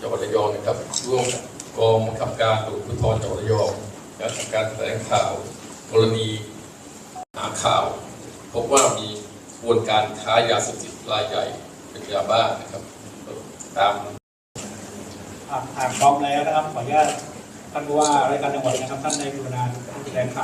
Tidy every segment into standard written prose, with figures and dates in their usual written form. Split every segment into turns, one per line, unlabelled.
จังหวัดระยองนะครับร่วมกองบังคับการตำรวจภูธรจังหวัดระยองและทำการแถลงข่าวกรณีหาข่าวพบว่ามีกระบวนการค้ายาเสพติดรายใหญ่เป็นยาบ้านะครับตาม
อ่านพร้อมแล้วนะครับขออนุญาตท่านผู้ว่ารายการจังหวัดนะครับท่านในกรุณาแถลงข่าว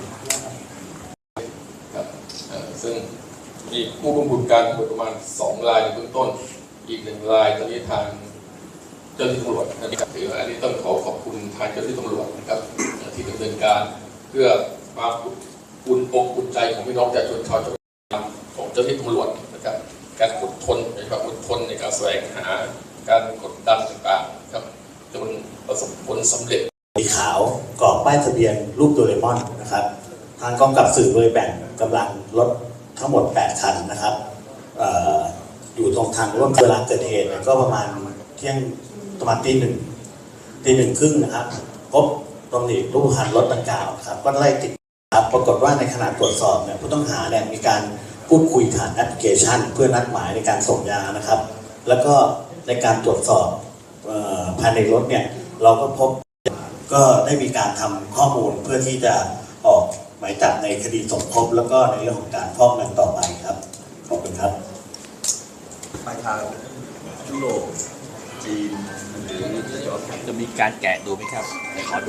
ครับซึ่งมีผู้กำกับการประมาณ2 รายในเบื้องต้นอีก1 รายตอนนี้ทางเจ้าหน้าที่ตำรวจนะครับถืออันนี้ต้องขอบคุณทางเจ้าหน้าที่ตำรวจนะครับที่ดำเนินการเพื่อความอุ่นอกอุ่นใจของพี่น้องประชาชนชาวจังหวัดของเจ้าหน้าที่ตำรวจนะครับการอดทนนะครับอดทนในการแสวงหาการกดดันต่างๆครับจนประสบผลสำเร็จ
สีขาวกรอบป้ายทะเบียนรูปโดเรมอนนะครับทางกองกับสื่อโดยแบ่งกำลังรถทั้งหมด8 คันนะครับอยู่ตรงทางร่วมเวลาเกิดเหตุก็ประมาณเที่ยงประมาณตีหนึ่งครึ่งนะครับพบตำหนิรูปพรรณรถดังกล่าวครับก็ไล่ติดครับปรากฏว่าในขณะตรวจสอบเนี่ยผู้ต้องหาเนี่ยมีการพูดคุยผ่านแอปพลิเคชันเพื่อนัดหมายในการส่งยานะครับแล้วก็ในการตรวจสอบภายในรถเนี่ยเราก็พบก็ได้มีการทำข้อมูลเพื่อที่จะออกหมายจับในคดีสมคบแล้วก็ในเรื่องของการฟอกเงินต่อไปครับขอบคุณครับ
ไปทางยุโรปจีนหรือ
จะมีการแกะดูไหมครับขอดู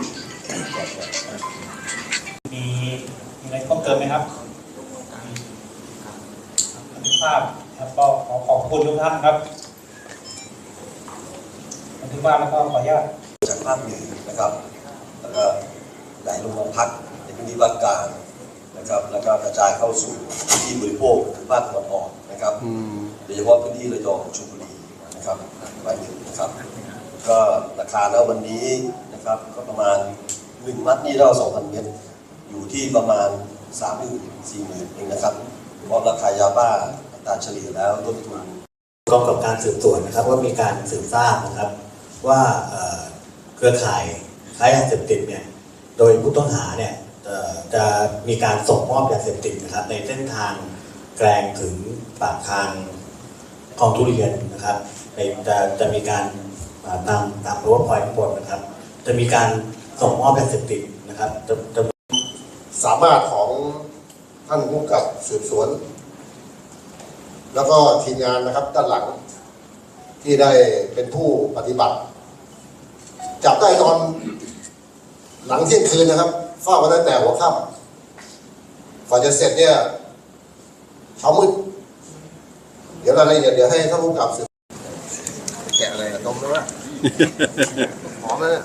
มีอะไรเพิ่มเติมไหมครับภาพครับก็ขอบคุณทุกท่านครับบันทึกภาพแล้วก็ขออนุญาต
จากภาคเหนือนะครับแล้วก็ไหลลงมาพักในพื้นที่ภาคกลางนะครับแล้วก็กระจายเข้าสู่พื้นที่บริโภคคือภาคตะวันออกนะครับโดยเฉพาะพื้นที่ระยองชลบุรีนะครับรายหนึ่งนะครับก็ราคาแล้ววันนี้นะครับก็ประมาณ1 มัดนี่เรา2,000 เม็ดอยู่ที่ประมาณ 30,000-40,000 เองนะครับเพราะราคายาบ้าอัตราเฉลี่ยแล้วต้นทุน
กองกับการสืบสวนนะครับว่ามีการสืบทราบนะครับว่าเครือข่ายค้ายาเสพติดเนี่ยโดยผู้ต้องหาเนี่ยจะมีการส่งมอบยาเสพติดนะครับในเส้นทางแกลงถึงปากทางคลองทุเรียนนะครับจะมีการตามรั้วพอยต์ข้างบนนะครับจะมีการส่งมอบยาเสพติดนะครับจะ
สามารถของท่านผู้กำกับสืบสวนแล้วก็ทีมงานนะครับด้านหลังที่ได้เป็นผู้ปฏิบัติจับได้ตอนหลังเที่ยงคืนนะครับเฝ้ากันตั้งแต่หัวค่ำก่อนจะเสร็จเนี่ยเช้ามืดเดี๋ยวรายละเอียดเดี๋ยวให้ท่านผู้กำกับสืบ
แกะอะไรต้มด้วยวะหอมเลย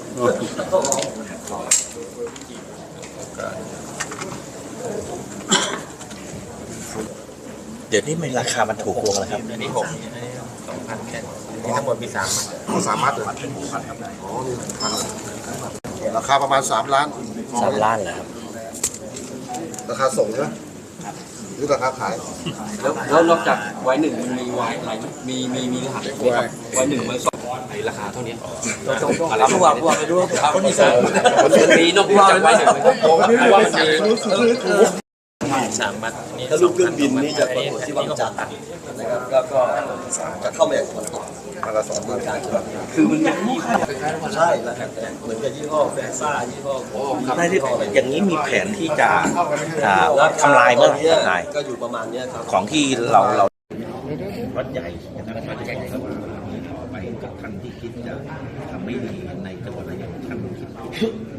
เดี๋ยวนี้มันราคามันถูกลงแล้วครับ
อันนี้2,000แค่นี้ทั้งหมดมี3 มัดเลยอ๋อนี่1,000
ราคาประมาณ3 ล้าน
3 ล้านเหรอครับ
ราคาส่งใช่ไหมหรือราคาขาย
แล้วนอกจากไว้1มันมีไว้อะไรไหมมีรหัสไว้1ไว้2ในราคาเท่านี้อะไรผู้ว่าไปดูคนที่2มีนอกจากไว้1ว่ามันมี
3 มัด
ถ้าลูกเครื่องบินนี่จะประกวดที่วังจันทร์นะครับก็จะเข้ามาจากตะวันตกมาละ2 เมืองการ
คือมันมี
ใช่แล้วแต่เหมือนกับยี่ห้อแฟซ่ายี่ห้อ
ได้ที่อย่างนี้มีแผนที่จะทำลายเมื่อไหร่
ก็อยู่ประมาณนี้ครับ
ของที่เราวัดใหญ่นะครับวัดใหญ่ครับไปกับท่านที่คิดจะทำไม่ดีในจังหวัดระยองท่านคิด